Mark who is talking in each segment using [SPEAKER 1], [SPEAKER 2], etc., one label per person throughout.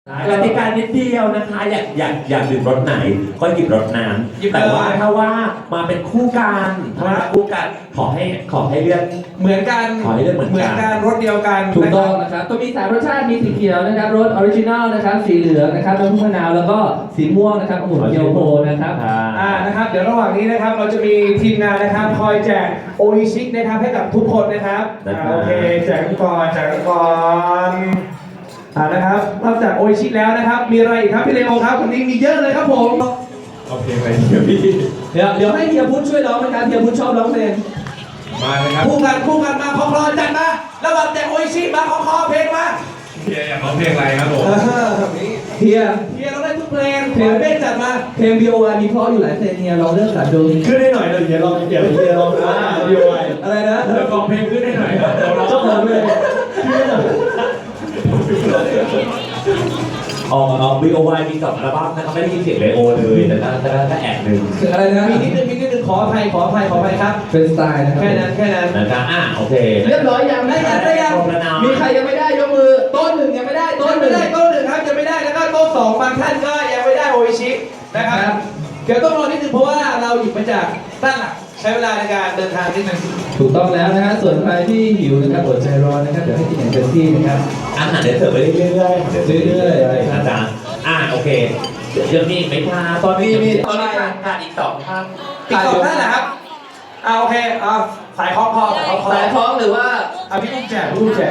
[SPEAKER 1] กติกานิดเดียวนะคะอยากดื่มรสไหนก็หยิบรสนั้นแต่ว่าถ้าว่ามาเป็นคู่กันถ้ามาคู่กันขอให้เลือก
[SPEAKER 2] เหมือนกัน
[SPEAKER 1] ขอให้เลือกเหมือนกัน
[SPEAKER 2] รสเดียวกัน
[SPEAKER 3] ถูกต้องนะครับก็มี3รสชาติมีสีเขียวนะครับรสออริจินัลนะครับสีเหลืองนะครับน้ำผึ้งมะนาวแล้วก็สีม่วงนะครับองุ่นเกียวโพนะครับ
[SPEAKER 2] นะครับเดี๋ยวระหว่างนี้นะครับเราจะมีทีมงานนะครับคอยแจกโออิชินะครับให้กับทุกคนนะครับโอเคแจกก่อนนะครับนอกจากโออิชิแล้วนะครับมีอะไรอีกครับพี่เลโอครับวันนี้มีเยอะเลยครับผม
[SPEAKER 1] โอเคไหมพี่
[SPEAKER 3] เดี๋ยวให้เฮียพุทธช่วยร้องนะครับเฮียพุทธชอบร้องเพลง
[SPEAKER 1] มาเลยครับ
[SPEAKER 2] คู่กันมาคอจัดมาระหว่างแจกโออิชิมาคอเพลงมา
[SPEAKER 1] เฮียอยากร้องเพลงอะไรครับผม
[SPEAKER 3] เฮีย
[SPEAKER 2] เราได้ทุกเพลงเพลงจัดมา
[SPEAKER 3] เพลง BOY มีเพราะอยู่หลายเพลงเฮียลองเลือกสรรดู
[SPEAKER 1] ขึ้นได้หน่อยเลยเฮียลองเฮียลองBOY
[SPEAKER 3] อะไรนะ
[SPEAKER 1] เดี๋ยวกองเพลงขึ้นได้หน่อยครับเรา
[SPEAKER 3] ชอบร้องเพลง
[SPEAKER 1] BOY มี2อัลบั้มนะครับไม่ได้ยินเสียงเลโอเลยแต่ก็แอบหนึ่ง
[SPEAKER 3] อะไรนะ
[SPEAKER 2] มีนิดนึงขออภัยครับ
[SPEAKER 3] เป็นสไตล์นะครับ
[SPEAKER 2] แค่นั้น
[SPEAKER 1] นะครับโอเค
[SPEAKER 3] เรียบร้อยยังได้ยังมีใครยังไม่ได้ยกมือโต๊ะหนึ่งยังไม่ได้โต๊ะหนึ่ง
[SPEAKER 2] ครับยังไม่ได้แล้วก็โต๊ะ2บางท่านก็ยังไม่ได้โออิชินะครับเดี๋ยวต้องรอนิดนึงเพราะว่าเราหยิบมาจากด้านหลังใช้เวลาในการเดินทางนิดนึง
[SPEAKER 3] ถูกต้องแล้วนะฮะส่วนใครที่หิวนะครับอดใจรอนะครับเดี๋ยวให้กินอย่างเต็มที่นะครับ
[SPEAKER 1] อาหารเดี๋ยวเสิร์ฟไปเรื่อยๆอาจารย์โอเคเดี๋ยวมีไม่พาตอนนี้มีขาดอีก2ท่าน
[SPEAKER 2] นะครับโอเคสายคล้อง
[SPEAKER 3] สายคล้องหรือว่า
[SPEAKER 2] พี่ลูกแจก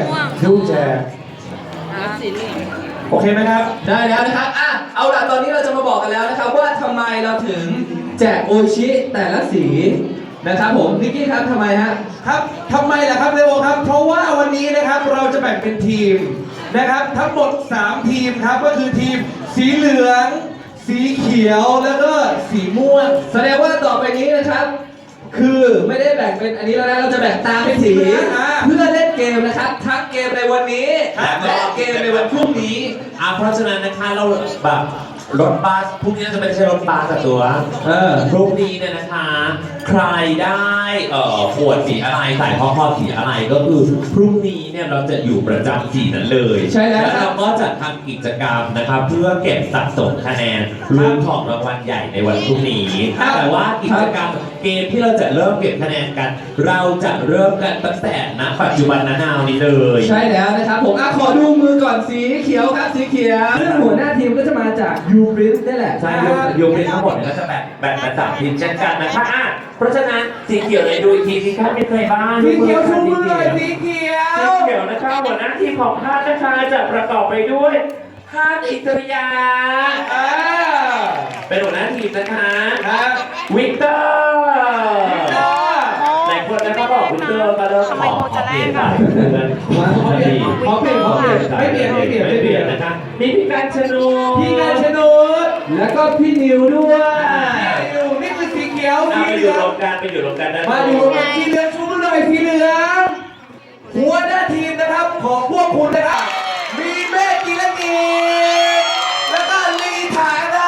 [SPEAKER 2] โอเคไหมครับ
[SPEAKER 3] ได้แล้วนะครับเอาล่ะตอนนี้เราจะมาบอกกันแล้วนะครับว่าทำไมเราถึงแจกโออิชิแต่ละสีนะครับผมนิกกี้ครับทำไมฮะ
[SPEAKER 2] ครับทำไมล่ะครับเลโอครับเพราะว่าวันนี้นะครับเราจะแบ่งเป็นทีมนะครับทั้งหมด3ทีมครับก็คือทีมสีเหลืองสีเขียวแล้วก็สีม่วง
[SPEAKER 3] แสดงว่าต่อไปนี้นะครับคือไม่ได้แบ่งเป็นอันนี้แล้วนะเราจะแบ่งตามเป็นสีเพื่อเล่นเกมนะครับทั้งเกมในวันนี้และเกมในวันพรุ่งนี้
[SPEAKER 1] เพราะฉะนั้นนะคะเราแบบรถบัสพรุ่งนี้จะไม่ใช่รถบัสแต่ตัวพรุ่งนี้เนี่ยนะคะใครได้ขวดสีอะไรใส่ข้อสีอะไรก็คือพรุ่งนี้เนี่ยเราจะอยู่ประจำสีนั้นเลย
[SPEAKER 3] ใช่แล้ว
[SPEAKER 1] เราก็จะทำกิจกรรมนะครับเพื่อเก็บสะสมคะแนนลุ้นของรางวัลใหญ่ในวันพรุ่งนี้แต่ว่ากิจกรรมเกมที่เราจะเริ่มเก็บคะแนนกันเราจะเริ่มกันตั้งแต่ณปัจจุบันนาวนี้เลย
[SPEAKER 3] ใช่แล้วนะครับผมขอดูมือก่อนสีเขียวครับสีเขียวซึ่งหัวหน้าทีมก็จะมาจากยูบริสนี่แหละ
[SPEAKER 1] ใช่ยูบริสทั้งหมดก็จะแบ่งเป็น3ทีมเช่นกันนะคะเพราะฉะนั้นสีเขียวเลยดูอีกทีสิครับมีใครบ้าง
[SPEAKER 2] สีเขียวชูมือเลยสีเขี
[SPEAKER 1] ยวนะคะหัวหน้าทีมของท่านนะคะจะประกอบไปด้วยท่านอิสริยาเป็นหัวหน้าทีมนะคะวิกเตอร์หลายคนนะครับบอกวิกเตอร์ก็เริ่มขอเปลี่ยนไป
[SPEAKER 2] ขอเปลี่ยนไม่เปลี่ยน
[SPEAKER 1] นะคะมีพี่การชนุ
[SPEAKER 3] แล้วก็พี่นิวด้วย
[SPEAKER 2] นี่คือสีเขียว
[SPEAKER 1] ไปอยู่รวมกันได้
[SPEAKER 2] มาอยู่สีเหลืองชูมือเลยสีเหลืองหัวหน้าทีมนะครับของพวกคุณนะครับมีเมฆกีฬากีแล้วก็ลีฐานะ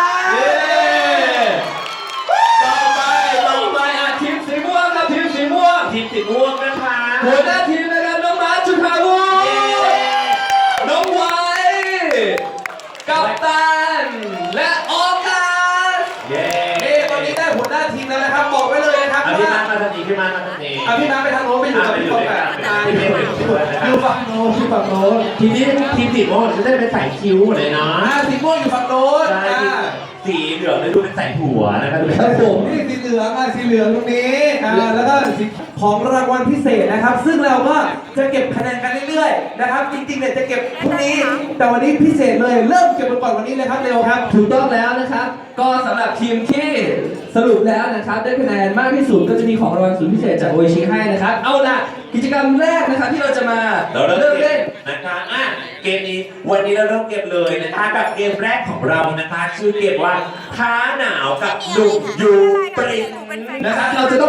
[SPEAKER 3] ต่อไปทีมสีม่วงครับทีมสีม่วง
[SPEAKER 1] นะคะ
[SPEAKER 3] หัวหน้าทีมนะครับน้องมาร์ชจุฑาวุฒิน้องไว้กัปตันและออกัส
[SPEAKER 2] นี่ตอนนี้ได้หัวหน้าทีมแล้วนะครับบอกไว้เลยนะครับ
[SPEAKER 1] ว่าพี่มาทางนี้พี่มา
[SPEAKER 2] ไปทางโน้นไปอยู่กับพี่กบแบบอยู่ฝั่งโน้น
[SPEAKER 1] ทีนี้ทีมสีม่วงจะได้เป็นสายคิ้วเลยเนาะ
[SPEAKER 2] สีม่วงอยู่ฝั่งโน้น
[SPEAKER 1] สีเหลืองเลยดูเป็นสายหัวนะครับ
[SPEAKER 2] ผมนี่สีเหลืองตรงนี้แล้วก็ของรางวัลพิเศษนะครับซึ่งเราก็จะเก็บคะแนนกันเรื่อยๆนะครับจริงๆเนี่ยจะเก็บพรุ่งนี้แต่วันนี้พิเศษเลยเริ่มเก็บก่อนวันนี้เลยครับเร็วครับ
[SPEAKER 3] ถูกต้องแล้วนะครับก็สำหรับทีมที่สรุปแล้วนะครับได้คะแนนมากที่สุดก็จะมีของรางวัลสุดพิเศษจากโออิชิให้นะครับเอาล่ะกิจกรรมแรกนะครับที่เราจะมา
[SPEAKER 1] เริ่มเล่นนะคะเกมนี้วันนี้เราเริ่มเกมเลยนะคะกับเกมแรกของเรานะคะชื่อเกมว่าท้าหนาวกับหนุ่มยูปริน
[SPEAKER 3] นะครับเราจะต้อง